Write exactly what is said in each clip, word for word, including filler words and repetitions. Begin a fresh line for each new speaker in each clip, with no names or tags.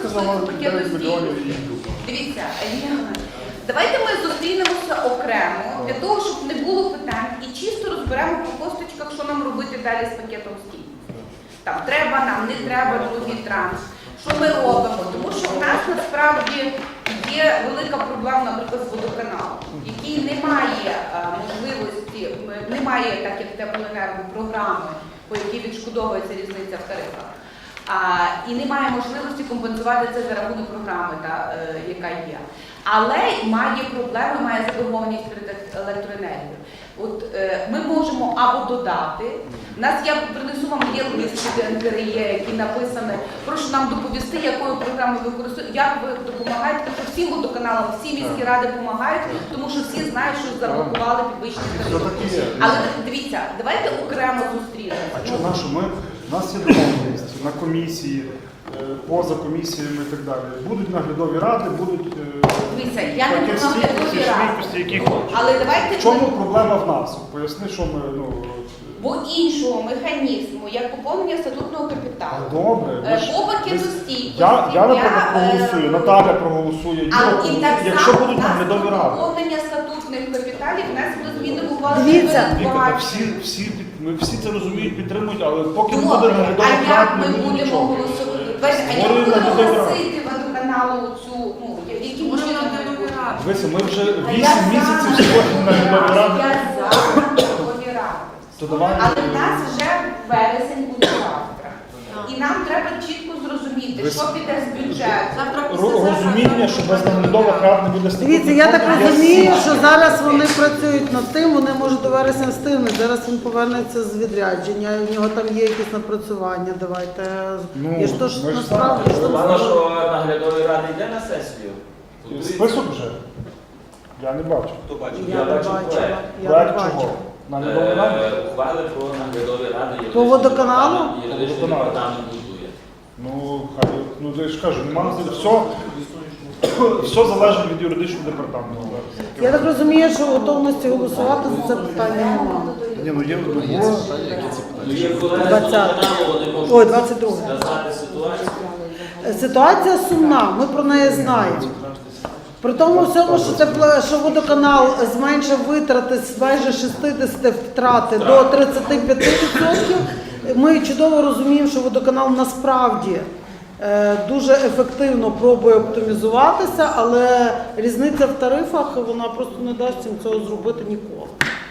сказала, дев'ять мільйонів і
Дивіться, давайте ми зустрінемося окремо, для того, щоб не було питань, і чисто розберемо по косточках, що нам робити далі з пакетом стійкості. Там треба нам, не треба другий транш. Що ми робимо? Тому що в нас насправді є велика проблема, наприклад, з водоканалом, який не має а, можливості, не має, так як теплоенерго, програми, по якій відшкодовується різниця в тарифах. А, і немає можливості компенсувати це за рахунок програми, та, е, яка є. Але має проблеми, має заборгованість перед електроенергією. От е, ми можемо або додати. У нас я принесу вам є лист від ен ка ер є, який написаний. Прошу нам доповісти, якою програмою ви використовуєте, як ви допомагаєте, тому що всім водоканалам, всі міські ради допомагають, тому що всі знають, що заблокували підвищення тарифів. Але дивіться, давайте окремо зустрінемося.
А що нашу? Ми, у нас є домовленість на комісії, поза комісіями і так далі. Будуть наглядові ради, будуть
Дивіться, я не про наглядові ради.
які хочуть.
Але давайте...
В чому проблема в нас? Поясни, що ми... Ну,
бо іншого механізму, як поповнення статутного капіталу.
Добре.
По пакету стійкості.
Я, я наприклад,
е,
проголосую, Наталя проголосує, Юра
А і
проголосує.
так
Якщо
само
будуть
у нас
наглядові ради.
поповнення статутних капіталів внесли зміни в ухвалу.
Дивіться.
Віка, та всі, всі, під- ми всі це розуміють, підтримують, але поки не буде
Добре, а
наглядових
як
рад,
ми
не буде
будемо
нічого.
голосувати? А як
Створюємо
будемо
наглядові ради.
голосити водоканалу цю, ну, які можливо наглядові ради?
Дивися, ми вже
А я
вісім
за
місяців створюємо наглядові ради.
Я за наглядові ради.
То давай,
Але в нас вже вересень буде завтра. І нам треба чітко зрозуміти,
Ви-
що піде з бюджету.
ро- розуміння, що без наглядових рад не буде статутних
Дивіться, я так
фондів, є
розумію,
всі.
що зараз вони працюють над тим, вони можуть до вересня встигнути. Зараз він повернеться з відрядження, у нього там є якісь напрацювання. Давайте.
Ну,
І що ж
ми ж
насправді що
знаємо.
Погано,
там
що наглядові ради йде на сесію.
Список вже? Я не бачу.
Хто бачив?
я не
бачив
бачила.
проект.
Я не
Проект
бачила.
чого? Наглядові ради?
Е, Ухвали про наглядові ради.
По водоканалу?
Юридичний
Водоканалу.
департамент будує.
Ну, хай, ну я ж кажу, нема все, все залежить від юридичного департаменту.
Я так розумію, що готовності голосувати за це питання немає.
Ні, ну є, ну, було.
Ну, є колеги з
двадцяте.
водоканалу, вони можуть
Ой, двадцять друге.
сказати ситуацію.
Ситуація сумна, ми про неї знаємо. При тому всьому, що, тепло, що водоканал зменшив витрати з майже шістдесят втрати до тридцяти п'яти відсотків, ми чудово розуміємо, що водоканал насправді е, дуже ефективно пробує оптимізуватися, але різниця в тарифах, вона просто не дасть їм цього зробити ніколи.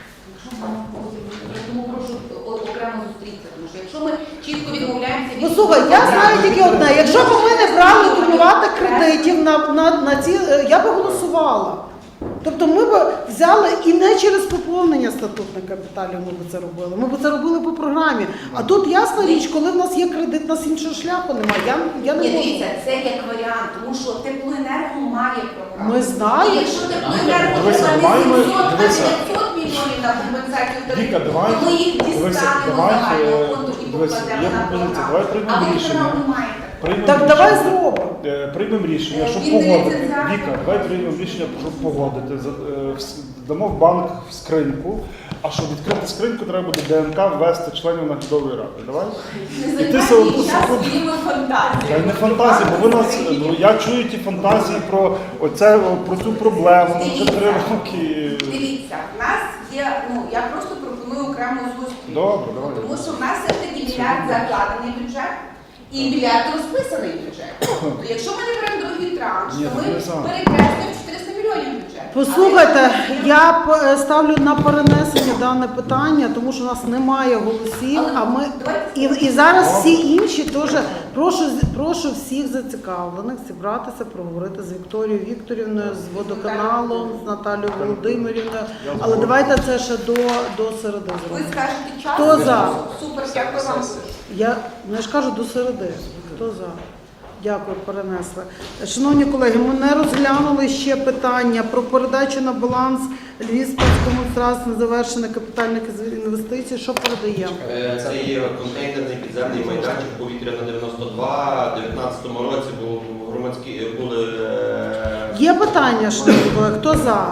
Тому прошу окремо зустрітися, тому що якщо ми чітко відмовляємося від...
Ну, слухай, я знаю тільки одне. Якщо б ми не брали акумулювати кредитів на, на, на ці, я б голосувала. Тобто ми б взяли і не через поповнення статутних капіталів ми б це робили. Ми б це робили по програмі. А тут ясна річ, коли в нас є кредит, у нас іншого шляху немає. Я, я не
Ні,
можу.
дивіться, це як варіант, тому що теплоенерго має програму.
Ми знаємо.
І якщо теплоенерго
Дивися,
треба не
давай ми-
сімсот, а
дивися.
дев'ятсот мільйонів на компенсацію
Віка,
тарифів,
давай,
то ми їх
дивися,
дістанемо
давай,
з загального
е,
фонду і
дивися,
покладемо
є
на
пропозиція,
програму.
давай приймемо
А
рішення.
водоканал не має такого.
Приймемо
Так
рішення.
давай зробимо.
Е, Приймемо рішення, щоб
Він
погодити.
ліцензіат.
Віка, давай приймемо рішення, щоб погодити. За- е, вс- Дамо в банк в скриньку, а щоб відкрити скриньку, треба буде ДНК ввести членів наглядової ради. Давай?
Не
І ти
займайте
себе
час
секунду.
своїми фантазіями.
Я не фантазія, бо ви нас, ну, я чую ті фантазії про оце, про цю проблему, ну, вже три роки.
Дивіться, в нас є, ну я просто пропоную окрему зустріч.
Добре, давай.
Тому що в нас все таки мільярд закладений бюджет і мільярд розписаний бюджет. Тобто, якщо ми не беремо другий транш,
Ні,
то ми
не сам.
перекреслюємо чотириста мільйонів бюджет.
Послухайте, я п- ставлю на перенесення дане питання, тому що у нас немає голосів,
Але
а ми
давайте-
і, і зараз всі інші теж прошу прошу всіх зацікавлених зібратися, проговорити з Вікторією Вікторівною, з водоканалом, з Наталією Володимирівною. Але давайте це ще до, до середи
Ви
зробимо.
скажете час.
Хто за?
Супер, дякую вам.
Я, ну, я ж кажу до середи. Хто за? Дякую, перенесли. Шановні колеги, ми не розглянули ще питання про передачу на баланс Львівському трасту незавершених капітальних інвестицій. Що передаємо?
Е, Це є контейнерний підземний майданчик повітря на дев'яносто два. У дев'ятнадцятому році був громадські були е,
Є питання, шановні колеги? Хто за?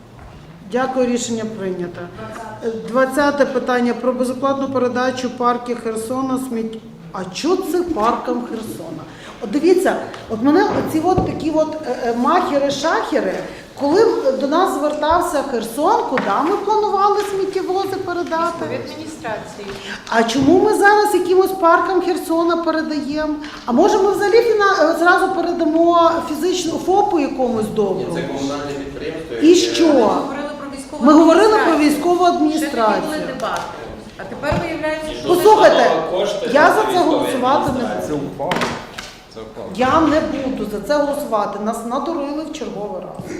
Дякую, рішення прийнято. Двадцяте питання про безоплатну передачу парків Херсона сміття. А чого це паркам Херсона? От дивіться, от мене оці от такі от е, е, махери-шахери, коли до нас звертався Херсон, куди ми планували сміттєвози передати?
Від адміністрації.
А чому ми зараз якимось паркам Херсона передаємо? А може ми взагалі фіна... зразу передамо фізичну ФОПу якомусь добру?
Це комунальне підприємство.
І
яке-
що?
Ми говорили про військову
Ми говорили про
адміністрацію.
військову
Ще тоді
адміністрацію.
були дебати. А тепер виявляється, що...
Послухайте,
Кошти
я
на
за це
військові
голосувати не
адміністрації.
буду.
Це ухвала.
Це впало.
Я не буду за це голосувати. Нас надурили в черговий раз.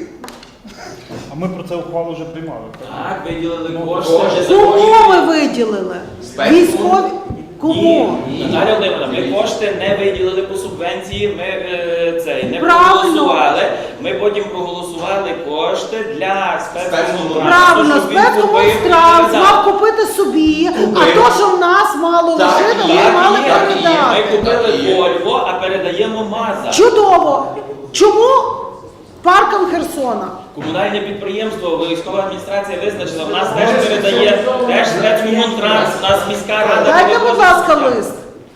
А ми про це ухвалу вже приймали. так?
Так, виділили
Ну,
кошти.
кошти.
незаконні.
Кому ми виділили?
Спецфонд?
Військові? Кому?
Ні, Наталя Володимирівна, ми кошти не виділили по субвенції, ми е, цей, не
Правильно.
проголосували. Ми потім проголосували кошти для спецфонду.
Правильно,
щоб він купив і
спецкомунтранс
передав.
мав купити собі, а
Купив.
то, що в нас мало
Так,
лишити,
є,
ми мали
є, є.
Ми
передати.
купили
Так, є.
Вольво, а передаємо МАЗа.
Чудово! Чому паркам Херсона?
Комунальне підприємство, військова адміністрація визначила, в нас теж передає, теж спецкомунтранс, у нас міська рада.
Дайте, будь
вивозить
ласка,
сміття.
лист.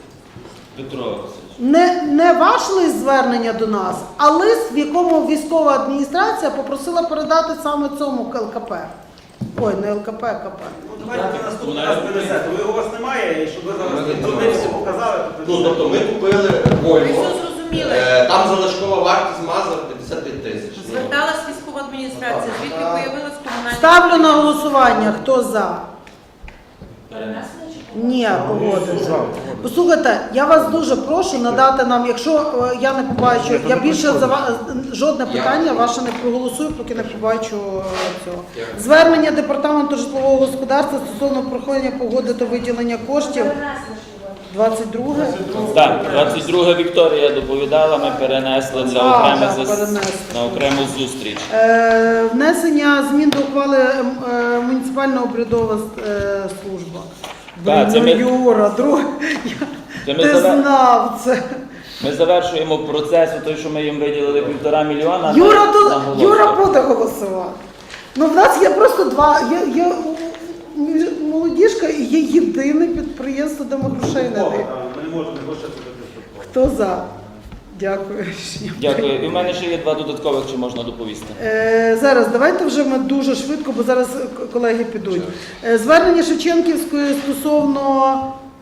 Петро Васильович.
Не, не ваш лист звернення до нас, а лист, в якому військова адміністрація попросила передати саме цьому ЛКП. Ой, не ЛКП, а КП.
Ну, давайте наступний раз принесете. Ви у вас немає, і щоб ви зараз дурниці показали, то
Ну, тобто ми купили
Ви
Volvo.
все зрозуміли.
Е, Там залишкова вартість МАЗа п'ятдесят п'ять тисяч. Ну,
Зверталась військова адміністрація, звідки появилась комунальна...
Ставлю на голосування. Хто за?
Перенесено.
Ні, погодили.
За.
Послухайте, я вас дуже прошу надати нам, якщо е, я не побачу, я більше за ва- жодне питання ваше не проголосую, поки не побачу е, цього. Звернення департаменту житлового господарства стосовно проходження погоди та виділення коштів. двадцять друге?
Так, двадцять друга Вікторія доповідала, ми перенесли для
А,
окремих
так,
зас-
перенесли.
на окрему зустріч.
Е, внесення змін до ухвали ем, е, муніципальна обрядова е, служба.
Так, це
Блін,
ми-
ну, Юра, друг,
Це
я,
ми
ти
заве-
знав це.
Ми завершуємо процес, той, що ми їм виділили півтора мільйона.
Юра,
на-
то,
на голосу.
Юра буде голосувати. Ну, в нас є просто два, є, є м, молодіжка і є єдине підприємство, де ми грошей не даємо.
ми не можемо гроші туди.
Хто за? Дякую. Рішення
Дякую. І в мене ще є два додаткових, чи можна доповісти.
Е, зараз давайте вже ми дуже швидко, бо зараз к- колеги підуть. Е, звернення Шевченківської стосовно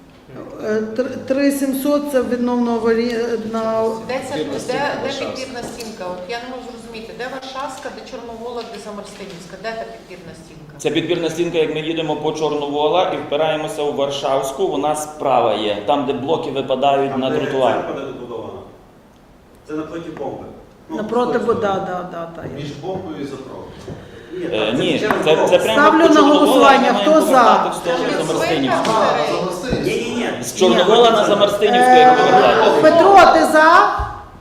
е, тр- три тисячі сімсот, це відновно аварійна.
Йдеться,
Підпірна
де,
стінка
де
Варшавська.
підпірна стінка? От я не можу зрозуміти, де Варшавська, де Чорновола, де Замарстинівська, де та підпірна стінка?
Це підпірна стінка, як ми їдемо по Чорновола і впираємося у Варшавську, вона справа є, там, де блоки випадають
Там,
на
де
тротуар.
церква де добудована. Це напроти бомби. Ну,
Напроти,
з
бо
тої
да,
сторони.
да, да, та,
Між
є.
бомбою і заправкою. Ні,
Е,
так,
Ні,
через
це,
дорогу.
це прямо
Ставлю
по
на
Чорновола,
голосування.
ми маємо
Хто за?
повертати в
Там
сторону
від
Замарстинівську.
Свинка
Ні, ні, ні.
З Чорновола на Замарстинівську, як повертати.
Е, Петро, ти за?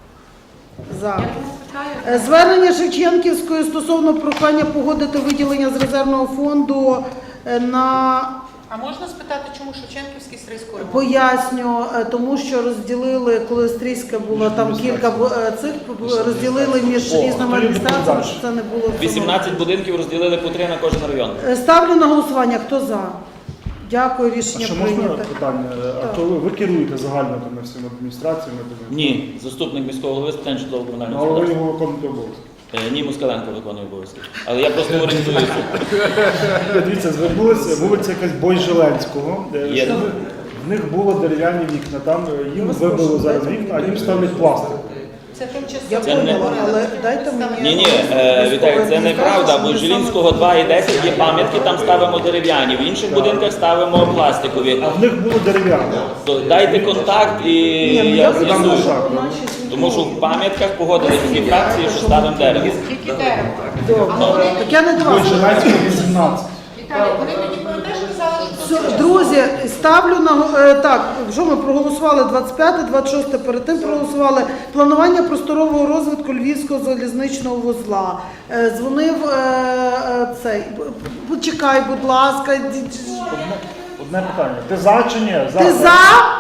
За.
Я тому питаю,
Е, Звернення Шевченківської стосовно прохання погодити виділення з резервного фонду е, на
А можна спитати, чому Шевченківський стрийську ремонт?
поясню, е, тому що розділили, коли Стрийська була там кілька бу- е, цих розділили між
О,
різними
хто
адміністраціями,
відповідає?
щоб це не було. в цьому.
вісімнадцять будинків розділили по три на кожен район.
Е, Ставлю на голосування. Хто за? Дякую,
А
рішення
що можна
прийнято.
питання? А
Так.
то ви, ви керуєте загально тими всіма адміністраціями? тими?
Ні, заступник міського голови з питань житлово-комунального
Ну, але ви
господарства.
його виконуєте обов'язки.
Е, Ні, Москаленко виконує обов'язки. Але я просто орієнтуюся.
Дивіться, звернулися, вулиця якась Бойжеленського. е,
Є.
що В них було дерев'яні вікна, там е, їм вибило зараз вікна, а їм ставлять пластик.
Це тимчасово.
Я
Це не-
поняла, але дайте мені.
Ні, ні, Віталій, це неправда, бо Жилінського два і десять є пам'ятки, там ставимо дерев'яні, в інших будинках ставимо пластикові.
А в них було дерев'яне.
То дайте контакт і
Ні, ну,
я
я
Там
з'ясую.
лише.
Тому що в пам'ятках погодили всі фракції, що ставимо дерево.
Тільки дерево.
Добре. Так я не до вас.
Бойжеленського вісімнадцять.
Віталій, вони тоді теж казали, що
Все, друзі, ставлю на го- е, так. Що ми проголосували двадцять п'яте, двадцять шосте, перед тим проголосували планування просторового розвитку Львівського залізничного вузла. Е, Дзвонив е, е, цей. Б- Почекай, будь ласка. ді- ді-
Одне питання. Ти за чи ні?
Ти за?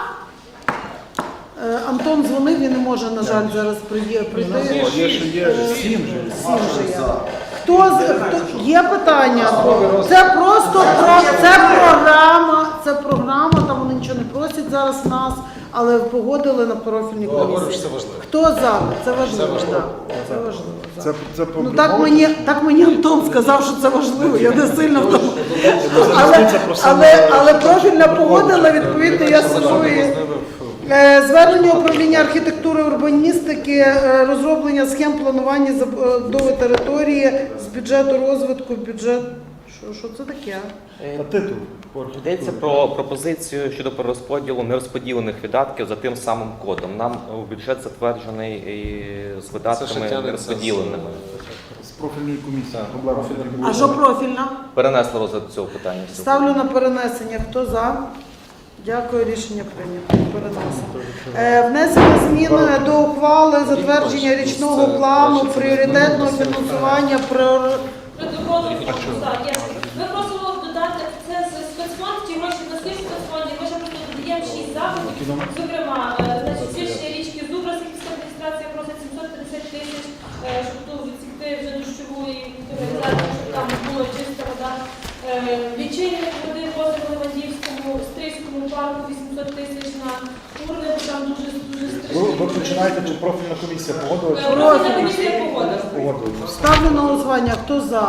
Е, Антон дзвонив, він не може, на жаль, зараз приє- прийти.
О, є, що є сім же.
Сім же є. Хто з хто є питання? Це просто про це програма. Це програма. Там вони нічого не просять зараз нас. але погодили на профільній комісії. Хто за? Це важливо, так. Це важливо. за.
Це, це
Ну так мені, так мені Антон сказав, що це важливо, я не сильно в тому. Але, але, але профільна погодила, відповідно, я сижу і... Е, Звернення управління архітектури і урбаністики, е, розроблення схем планування забудови території з бюджету розвитку, бюджет... Що, що це таке?
Та титул.
Йдеться про пропозицію щодо перерозподілу нерозподілених видатків за тим самим кодом. Нам бюджет затверджений і з видатками нерозподіленими.
З профільної комісії. Проблема.
А що профільна?
Перенесли розгляд цього питання.
Ставлю на перенесення. Хто за? Дякую, рішення прийнято. Переносимо. Е, внесення змін до ухвали затвердження річного плану пріоритетного фінансування приор-
Протоколу так, є. Ми просимо додати це з спецфонд, ті гроші на свій спецфонді. Ми ще просто додаємо шість заходів. Зокрема, е, значить, свідчення річки Зубра, Сихівська адміністрація просить сімсот п'ятдесят тисяч, е, щоб тут відсікти вже дощову і каналізацію, щоб там була чиста вода. Е, Лічильник води в озеро Левандівському, Стрийському парку вісімсот тисяч на урни, бо там дуже дуже
Ви, ви
страшно.
починаєте, чи профільна комісія погодила? чи-
Профільна комісія погодила.
Погодила.
Ставлю на голосування. Хто за?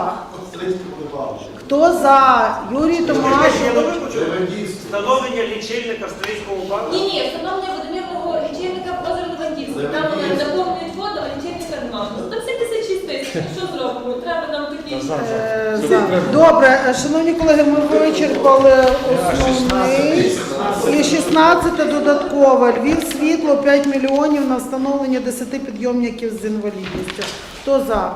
Хто за? Юрій
Я
Томашов.
добре почув? Встановлення лічильника в Стрийському парку.
Ні, ні, встановлення водомірного лічильника в озеро Левандівське. Там вони заповнюють воду, а лічильника немає. Там сімдесят шість тисяч. Що зробимо? Треба нам такі.
Е, за. Добре, е, шановні колеги, ми вичерпали основний. І шістнадцяте додаткове. Львів світло п'ять мільйонів на встановлення десяти підйомників з інвалідністю. Хто за?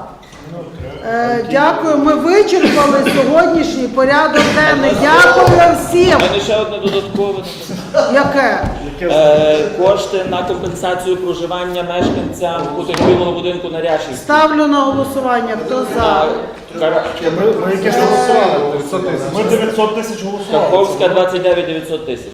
Е, дякую. Ми вичерпали сьогоднішній порядок денний. Дякую всім.
У мене ще одне додаткове.
Яке?
Е, кошти на компенсацію проживання мешканцям потерпілого будинку на Ряшівській.
Ставлю на голосування. Хто за?
На Кара-
Ми, ми якесь голосували. Ми дев'ятсот тисяч голосували.
Каховська двадцять дев'ять дев'ятсот тисяч.